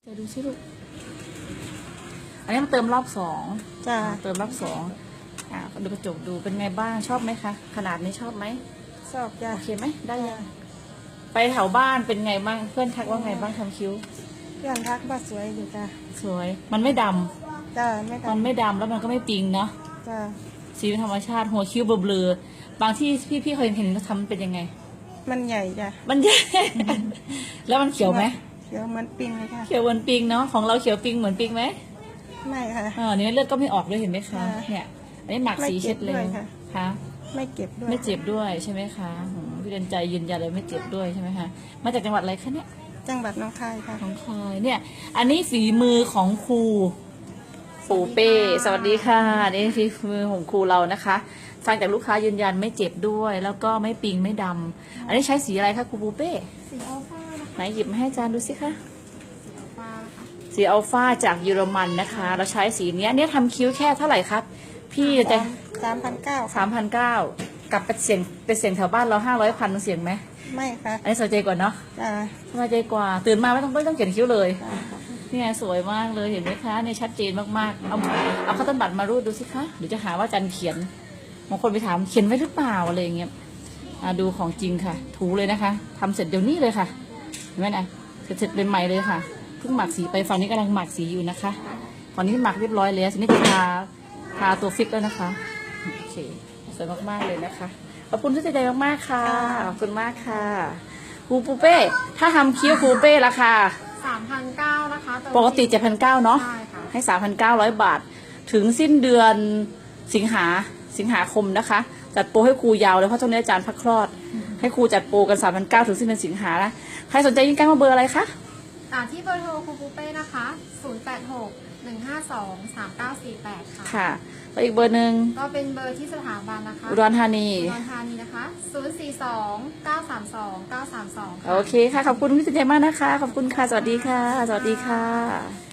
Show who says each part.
Speaker 1: ไปดูสิลูกอันนี้มาเติมรอบสอง
Speaker 2: จ้า
Speaker 1: เติมรอบสองดูกระจกดูเป็นไงบ้างชอบไหมคะขนาดนี้ชอบไหม
Speaker 2: ชอบจ้า
Speaker 1: โอเคไหมได้ยังไปแถวบ้านเป็นไงบ้างเพื่อนทักว่าไงบ้างทำคิ้ว
Speaker 2: เพื่อนทักว่าสวยอยู่จ้า
Speaker 1: สวยมันไม่ดำ
Speaker 2: จ้า
Speaker 1: มันไม่ดำแล้วมันก็ไม่ปิงเนาะ
Speaker 2: จ้า
Speaker 1: สีเป็นธรรมชาติหัวคิ้วเบลอๆบางที่พี่เคยเห็นเขาทำเป็นยังไง
Speaker 2: มันใหญ่จ้า
Speaker 1: มันใหญ่ แล้วมันเขียวไหม
Speaker 2: เขียวเหมือนปิงเลยค่ะ
Speaker 1: เขียวเหมือนปิงเนาะของเราเขียวปิงเหมือนปิงไหม
Speaker 2: ไม่ค่ะ
Speaker 1: เนี่ยเลือดก็ไม่ออกด้วยเห็นไหมคะเนี่ยอันนี้หมักสีเช็ดเลยค่ะ
Speaker 2: ไม่เก็บด้วย
Speaker 1: ไม่เจ็บด้วยใช่ไหมคะพี่เดินใจยืนยันเลยไม่เจ็บด้วยใช่ไหมคะมาจากจังหวัดอะไรคะเนี่ย
Speaker 2: จังหวัดหนองคายค่ะ
Speaker 1: หนองคายเนี่ยอันนี้ฝีมือของครูปู่เป้สวัสดีค่ะนี่ฝีมือของครูเรานะคะฟังจากลูกค้ายืนยันไม่เจ็บด้วยแล้วก็ไม่ปิงไม่ดำอันนี้ใช้สีอะไรคะครูปู่เป้
Speaker 2: สีอัลฟา
Speaker 1: ไหนหยิบมาให้อาจารย์ดูสิคะสีอัลฟาจากเยอรมันนะคะเราใช้สีนี้เนี่ยทำคิ้วแค่เท่าไหร่ครับพี่จะ3,900กลับไปเสียงแถวบ้านเรา500,000เสียงไหม
Speaker 2: ไม่ค่ะ
Speaker 1: อันนี้สบายใจกว่าเนาะสบายใจกว่าตื่นมาไม่ต้องเขียนคิ้วเลยนี่ไงสวยมากเลยเห็นไหมคะเนี่ยชัดเจนมากๆเอาข้าวต้นบัตรมารูดดูสิคะเดี๋ยวจะหาว่าจันเขียนบางคนไปถามเขียนไว้หรือเปล่าอะไรอย่างเงี้ยดูของจริงค่ะถูเลยนะคะทำเสร็จเดี๋ยวนี้เลยค่ะเห็นไหมนะเสร็จเป็นใหม่เลยค่ะเพิ่งหมักสีไปฝั่งนี้กำลังหมักสีอยู่นะคะฝั่งนี้หมักเรียบร้อยแล้วทีนี้จะทาตัวฟิกแล้วนะคะโอเคสวยมากๆเลยนะคะขอบคุณที่ใจมากๆค่ะขอบคุณมากค่ะครูปูเป้ถ้าทำคิ้วครูเป้ราคา
Speaker 2: 3,900นะคะ
Speaker 1: ปกติ7,900เนาะให้ 3,900 บาทถึงสิ้นเดือนสิงหาคมนะคะจัดโปรให้ครูยาวเลยเพราะช่วงนี้อาจารย์พักคลอดให้ครูจัดโปรกัน 3,900 ถึงสิ้นเดือนสิงหานะใครสนใจยิ่งใกล้มาเบอร์อะไรคะ
Speaker 3: ที่เบอร์โทรครูปูเป้นะคะ086-152-3948ค่ะ
Speaker 1: แล้วอีกเบอร์หนึ่ง
Speaker 3: ก็เป็นเบอร์ที่สถาบันนะคะ
Speaker 1: อุดรธานี
Speaker 3: นะคะ042-932-932
Speaker 1: โอเคค่ะขอบคุณพี่สุเจมากนะคะขอบคุณค่ะสวัสดีค่ะสวัสดีค่ะ